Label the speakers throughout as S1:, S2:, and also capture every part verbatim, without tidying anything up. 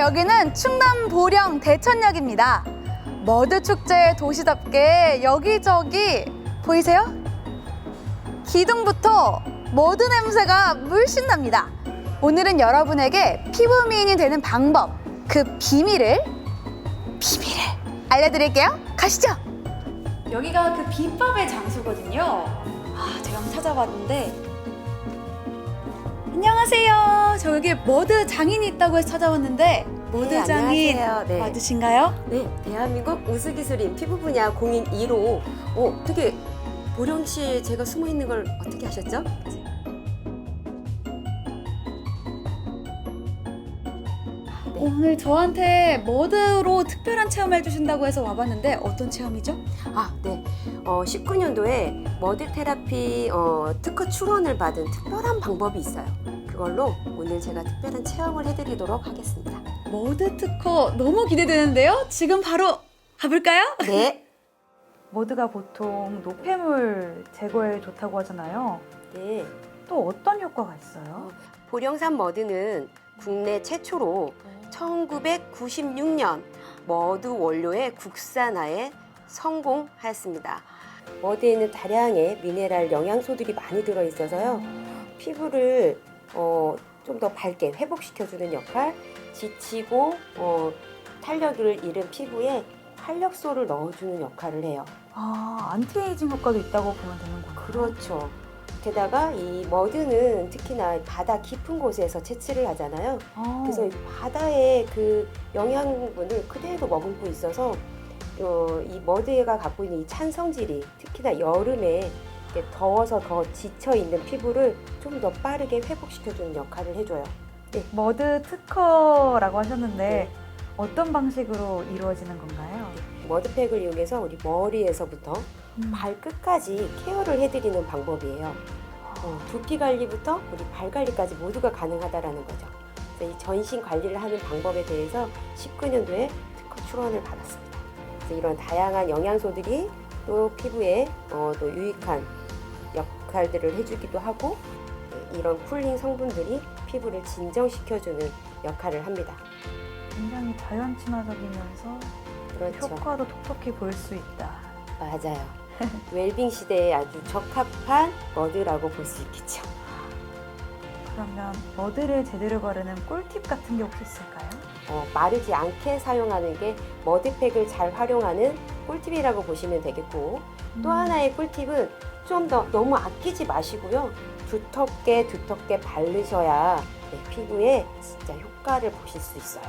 S1: 여기는 충남 보령 대천역입니다. 머드 축제의 도시답게 여기저기 보이세요? 기둥부터 머드 냄새가 물씬 납니다. 오늘은 여러분에게 피부 미인이 되는 방법, 그 비밀을 비밀을 알려드릴게요. 가시죠. 여기가 그 비법의 장소거든요. 아, 제가 한번 찾아봤는데. 안녕하세요. 저 여기 머드 장인이 있다고 해서 찾아왔는데 머드
S2: 네,
S1: 장인
S2: 안녕하세요. 네.
S1: 맞으신가요?
S2: 네, 대한민국 우수기술인 피부 분야 공인 일 호. 어, 어떻게 보령시에 제가 숨어 있는 걸 어떻게 아셨죠? 네.
S1: 오늘 저한테 머드로 특별한 체험을 해주신다고 해서 와봤는데 어떤 체험이죠?
S2: 아, 네. 어, 십구 년도에 머드 테라피 어, 특허 출원을 받은 특별한 방법이 있어요. 그걸로 오늘 제가 특별한 체험을 해드리도록 하겠습니다.
S1: 머드 특허 너무 기대되는데요? 지금 바로 가볼까요?
S2: 네.
S3: 머드가 보통 노폐물 제거에 좋다고 하잖아요.
S2: 네.
S3: 또 어떤 효과가 있어요?
S2: 보령산 머드는 국내 최초로 천구백구십육 년 머드 원료의 국산화에 성공하였습니다. 머드에는 다량의 미네랄 영양소들이 많이 들어있어서요. 피부를 어, 좀 더 밝게 회복시켜주는 역할, 지치고 어, 탄력을 잃은 피부에 활력소를 넣어주는 역할을 해요.
S3: 아, 안티에이징 효과도 있다고 보면 되는구나.
S2: 그렇죠. 게다가 이 머드는 특히나 바다 깊은 곳에서 채취를 하잖아요.
S3: 아,
S2: 그래서 이 바다의 그 영양분을 그대로 머금고 있어서 어, 이 머드가 갖고 있는 이 찬 성질이 특히나 여름에 이렇게 더워서 더 지쳐 있는 피부를 좀 더 빠르게 회복시켜주는 역할을 해줘요.
S3: 머드 특허라고 하셨는데
S2: 네.
S3: 어떤 방식으로 이루어지는 건가요?
S2: 머드팩을 이용해서 우리 머리에서부터
S3: 음.
S2: 발끝까지 케어를 해드리는 방법이에요. 어, 두피 관리부터 우리 발 관리까지 모두가 가능하다라는 거죠. 그래서 이 전신 관리를 하는 방법에 대해서 십구 년도에 특허 출원을 받았습니다. 그래서 이런 다양한 영양소들이 또 피부에 어, 또 유익한 역할들을 해주기도 하고 이런 쿨링 성분들이 피부를 진정시켜주는 역할을 합니다.
S3: 굉장히 자연 친화적이면서
S2: 그렇죠.
S3: 효과도 톡톡히 볼 수 있다.
S2: 맞아요. 웰빙 시대에 아주 적합한 머드라고 볼 수 있겠죠.
S3: 그러면 머드를 제대로 바르는 꿀팁 같은 게 혹시 있을까요?
S2: 어, 마르지 않게 사용하는 게 머드팩을 잘 활용하는 꿀팁이라고 보시면 되겠고, 또
S3: 음.
S2: 하나의 꿀팁은 좀 더 너무 아끼지 마시고요. 두텁게 두텁게 바르셔야 네, 피부에 진짜 효과를 보실 수 있어요.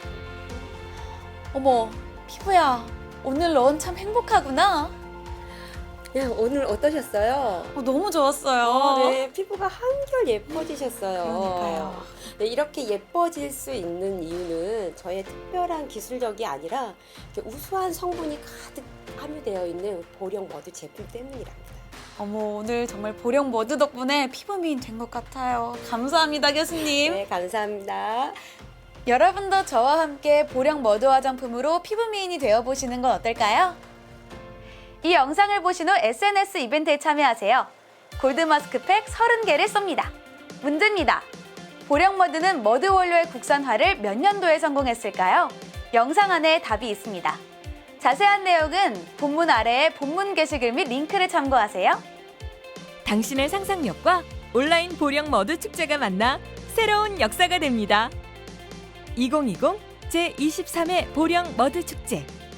S1: 어머, 피부야. 오늘 넌 참 행복하구나.
S2: 네, 오늘 어떠셨어요?
S1: 어, 너무 좋았어요.
S2: 어, 네, 피부가 한결 예뻐지셨어요.
S1: 그러니까요.
S2: 네, 이렇게 예뻐질 수 있는 이유는 저의 특별한 기술력이 아니라 이렇게 우수한 성분이 가득 함유되어 있는 보령 머드 제품 때문이랍니다.
S1: 어머, 오늘 정말 보령 머드 덕분에 피부 미인 된 것 같아요. 감사합니다, 교수님.
S2: 네, 감사합니다.
S1: 여러분도 저와 함께 보령 머드 화장품으로 피부 미인이 되어보시는 건 어떨까요? 이 영상을 보신 후 에스엔에스 이벤트에 참여하세요. 골드 마스크팩 서른 개를 쏩니다. 문제입니다. 보령 머드는 머드 원료의 국산화를 몇 년도에 성공했을까요? 영상 안에 답이 있습니다. 자세한 내용은 본문 아래에 본문 게시글 및 링크를 참고하세요.
S4: 당신의 상상력과 온라인 보령 머드 축제가 만나 새로운 역사가 됩니다. 이천이십 제이십삼 회 보령 머드 축제